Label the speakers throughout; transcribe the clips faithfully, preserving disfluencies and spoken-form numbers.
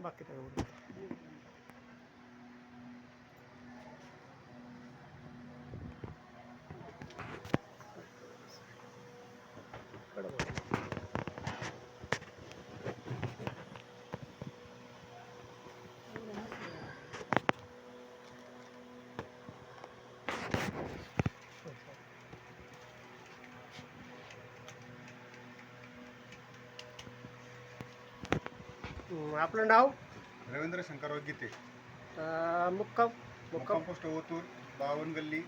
Speaker 1: बाकी काय एवढं. हं, आपलं नाव
Speaker 2: रवींद्र शंकरराव गीते,
Speaker 1: अं, मुक्काम
Speaker 2: मुक्काम
Speaker 1: मुक्काम
Speaker 2: पोस्ट ओतूर, बावन गल्ली.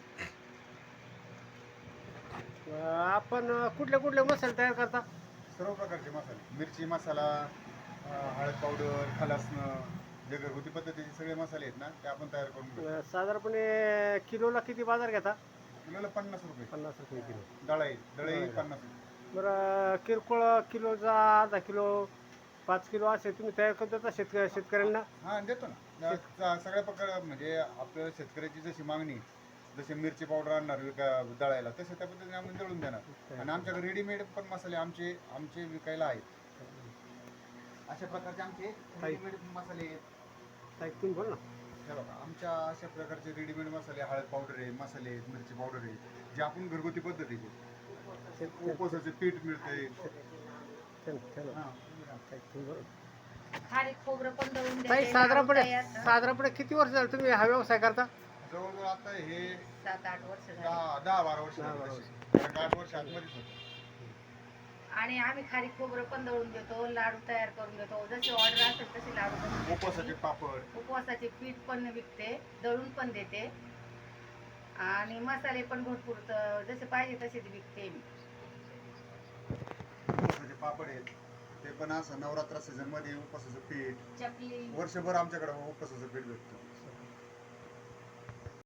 Speaker 1: अं, आपण कुठले कुठले मसाले तयार करता?
Speaker 2: सर्व प्रकारचे मसाले, मिरची मसाला, अं, हळद पावडर, खलासनं, जे घरगुती पद्धतीचे सगळे मसाले आहेत ना ते आपण तयार करून घेतो.
Speaker 1: अं, साधारणपणे किलोला किती बाजार घेता?
Speaker 2: किलोला पन्नास रुपये.
Speaker 1: पन्नास रुपये किलो.
Speaker 2: दळाई दळाई
Speaker 1: दळाई.
Speaker 2: पन्नास रुपये.
Speaker 1: बरं, किरकोळ किलोचा अर्धा किलो पाच किलो असे तुम्ही तयार करता का शेतक शेतकऱ्यांना?
Speaker 2: हां देतो ना. स- सगळ्या प्रकार म्हणजे आपल्या शेतकऱ्याची जशी मागणी, जसे मिरची पावडर आणणार विका दळायला, तसे त्या पद्धतीने आम्ही दळून देणार. आणि आमच्याकडे रेडीमेड पण मसाले आमचे आमचे विकायला आहेत. अशा प्रकारचे आमचे रेडीमेड मसाले आहेत.
Speaker 1: ताई, तुम्ही बोल ना.
Speaker 2: हे बघा, आमच्या अशा प्रकारचे रेडीमेड मसाले, हळद पावडर आहे, मसाले आहेत, मिरची पावडर आहे, जे आपण घरगुती पद्धतीचे.
Speaker 1: शेत-
Speaker 2: उपवासाचे पीठ मिळते.
Speaker 1: चल, चल.
Speaker 2: हां.
Speaker 1: ताई, तुम्ही बोल.
Speaker 3: खारीक खोबरं पण दळून
Speaker 1: ताई,
Speaker 3: देते,
Speaker 1: साधारणपणे
Speaker 3: लाडू तयार-
Speaker 1: साधारणपणे किती वर्ष झालं तुम्ही हा व्यवसाय करता?
Speaker 2: जवळजवळ आता हे
Speaker 3: सात आठ वर्ष झाली.
Speaker 2: दहा दहा बारा वर्ष
Speaker 1: दहा
Speaker 2: झाली
Speaker 1: बारा
Speaker 2: तशी. कारण आठ वर्ष आतमध्येच होतं.
Speaker 3: आणि आम्ही खारीक खोबरं पण दळून देतो, लाडू तयार करून देतो. जशी ऑर्डर असेल तसे लाडू बनवून देते.
Speaker 2: उपवासाचे पापड.
Speaker 3: उपवासाचे पीठ पण विकते, दळून पण देते आणि मसाले पण भरपूर त- जसे पाहिजे तसे विकते मी.
Speaker 2: उपवासाचे पापड आहेत, ते पण असं नवरात्र सीझन मध्ये उपवासाचं पीठ
Speaker 3: चकली
Speaker 2: वर्षभर आमच्याकडे उपवासाचं पीठ भेटतं.